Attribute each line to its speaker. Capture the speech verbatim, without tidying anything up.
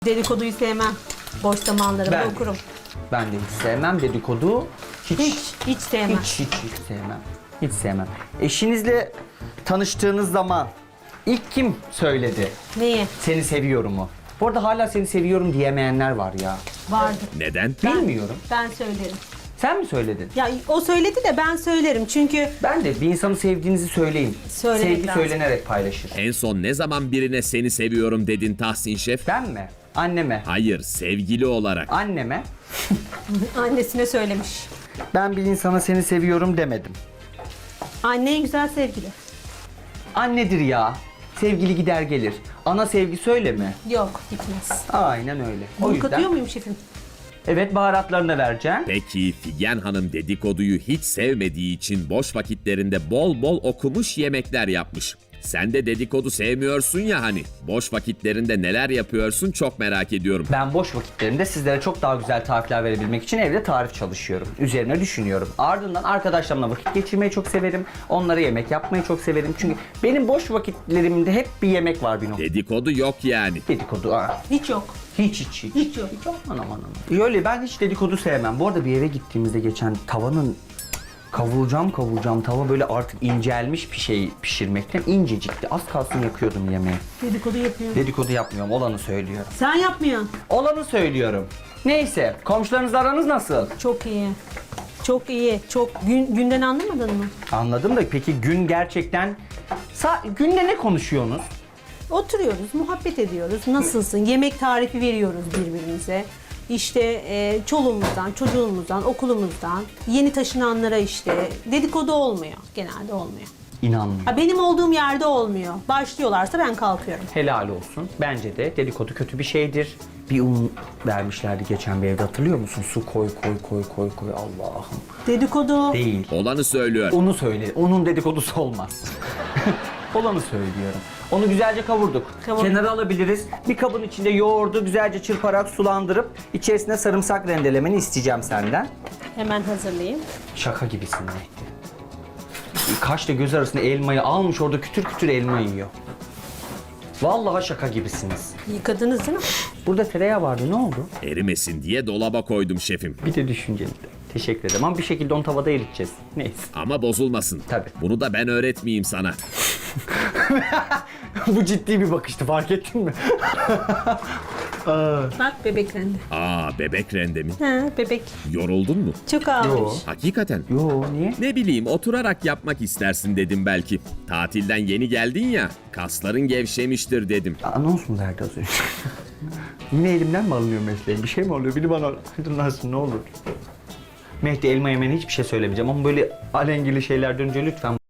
Speaker 1: Dedikoduyu sevmem. Boş zamanlarımda
Speaker 2: Ben-
Speaker 1: okurum.
Speaker 2: Ben de hiç sevmem dedikodu. Hiç,
Speaker 1: Hiç, hiç sevmem.
Speaker 2: hiç, hiç, hiç sevmem. Hiç sevmem. Eşinizle tanıştığınız zaman ilk kim söyledi
Speaker 1: Neyi?
Speaker 2: seni seviyorumu? Bu arada hala seni seviyorum diyemeyenler var ya.
Speaker 1: Vardı.
Speaker 3: Neden?
Speaker 2: Bilmiyorum.
Speaker 1: Ben söylerim.
Speaker 2: Sen mi söyledin?
Speaker 1: Ya o söyledi de ben söylerim çünkü
Speaker 2: Ben de bir insanı sevdiğinizi söyleyin.
Speaker 1: Söylemek
Speaker 2: Sevgi
Speaker 1: lazım.
Speaker 2: söylenerek paylaşır.
Speaker 3: En son ne zaman birine seni seviyorum dedin Tahsin Şef?
Speaker 2: Ben mi? Anneme.
Speaker 3: Hayır, sevgili olarak.
Speaker 2: Anneme.
Speaker 1: annesine söylemiş.
Speaker 2: Ben bir insana seni seviyorum demedim.
Speaker 1: Anne en güzel sevgili.
Speaker 2: Annedir ya. Sevgili gider gelir. Ana sevgi söyle mi?
Speaker 1: Yok, gitmez.
Speaker 2: Aynen öyle. O
Speaker 1: Bunu
Speaker 2: yüzden
Speaker 1: katıyor muyum şefim?
Speaker 2: evet, baharatlarını vereceğim.
Speaker 3: Peki Figen Hanım dedikoduyu hiç sevmediği için boş vakitlerinde bol bol okumuş yemekler yapmış. Sen de dedikodu sevmiyorsun ya hani. Boş vakitlerinde neler yapıyorsun çok merak ediyorum.
Speaker 2: Ben boş vakitlerimde sizlere çok daha güzel tarifler verebilmek için evde tarif çalışıyorum. Üzerine düşünüyorum. Ardından arkadaşlarımla vakit geçirmeyi çok severim. Onlara yemek yapmayı çok severim. Çünkü benim boş vakitlerimde hep bir yemek var bir nokta.
Speaker 3: Dedikodu yok yani.
Speaker 2: Dedikodu. Aa.
Speaker 1: Hiç yok.
Speaker 2: Hiç hiç hiç.
Speaker 1: Hiç yok.
Speaker 2: Hiç aman aman aman. Öyle ben hiç dedikodu sevmem. Bu arada bir eve gittiğimizde geçen tavanın kavuracağım kavuracağım tava böyle artık incelmiş bir şey pişirmekten incecikti. Az kalsın yakıyordum yemeği.
Speaker 1: Dedikodu yapıyor.
Speaker 2: Dedikodu yapmıyorum, olanı söylüyorum.
Speaker 1: Sen yapmıyorsun.
Speaker 2: Olanı söylüyorum. Neyse, komşularınızla aranız nasıl?
Speaker 1: Çok iyi. Çok iyi. Çok gün, günden anlamadın mı?
Speaker 2: Anladım da peki gün gerçekten... Sa günde ne konuşuyorsunuz?
Speaker 1: Oturuyoruz, muhabbet ediyoruz. Nasılsın? Yemek tarifi veriyoruz birbirimize. İşte e, çoluğumuzdan, çocuğumuzdan, okulumuzdan, yeni taşınanlara işte dedikodu olmuyor. Genelde olmuyor.
Speaker 2: İnanmıyorum.
Speaker 1: Ha, benim olduğum yerde olmuyor. Başlıyorlarsa ben kalkıyorum.
Speaker 2: Helal olsun. Bence de dedikodu kötü bir şeydir. Bir un vermişlerdi geçen bir evde, hatırlıyor musun? Su koy koy koy koy koy, Allah'ım.
Speaker 1: Dedikodu.
Speaker 2: Değil.
Speaker 3: Olanı söylüyor.
Speaker 2: Onu söyle. Onun dedikodusu olmaz. Olanı söylüyorum. Onu güzelce kavurduk.
Speaker 1: Kavurduk.
Speaker 2: Kenara alabiliriz. Bir kabın içinde yoğurdu güzelce çırparak sulandırıp içerisine sarımsak rendelemeni isteyeceğim senden.
Speaker 1: Hemen hazırlayayım.
Speaker 2: Şaka gibisin Mehdi. Kaşla göz arasında elmayı almış, orada kütür kütür elma yiyor. Vallahi şaka gibisiniz.
Speaker 1: Yıkadınız değil mi?
Speaker 2: Burada tereyağı vardı, ne oldu?
Speaker 3: Erimesin diye dolaba koydum şefim.
Speaker 2: Bir de düşünceli. Teşekkür ederim ama bir şekilde onu tavada eriteceğiz. Neyse.
Speaker 3: Ama bozulmasın.
Speaker 2: Tabii.
Speaker 3: Bunu da ben öğretmeyeyim sana.
Speaker 2: Bu ciddi bir bakıştı, fark ettin mi?
Speaker 1: Bak bebek rendi.
Speaker 3: Aa, bebek rende mi?
Speaker 1: Ha, bebek.
Speaker 3: Yoruldun mu?
Speaker 1: Çok ağlamış.
Speaker 3: Hakikaten.
Speaker 2: Yo, niye?
Speaker 3: Ne bileyim, oturarak yapmak istersin dedim belki. Tatilden yeni geldin ya, kasların gevşemiştir dedim.
Speaker 2: Anons mu verdi az önce? Yine elimden mi alınıyor mesleğim? Bir şey mi oluyor? Biri bana aydınlansın ne olur. Mehdi, elma yemene hiçbir şey söylemeyeceğim ama böyle alengili şeyler dönünce lütfen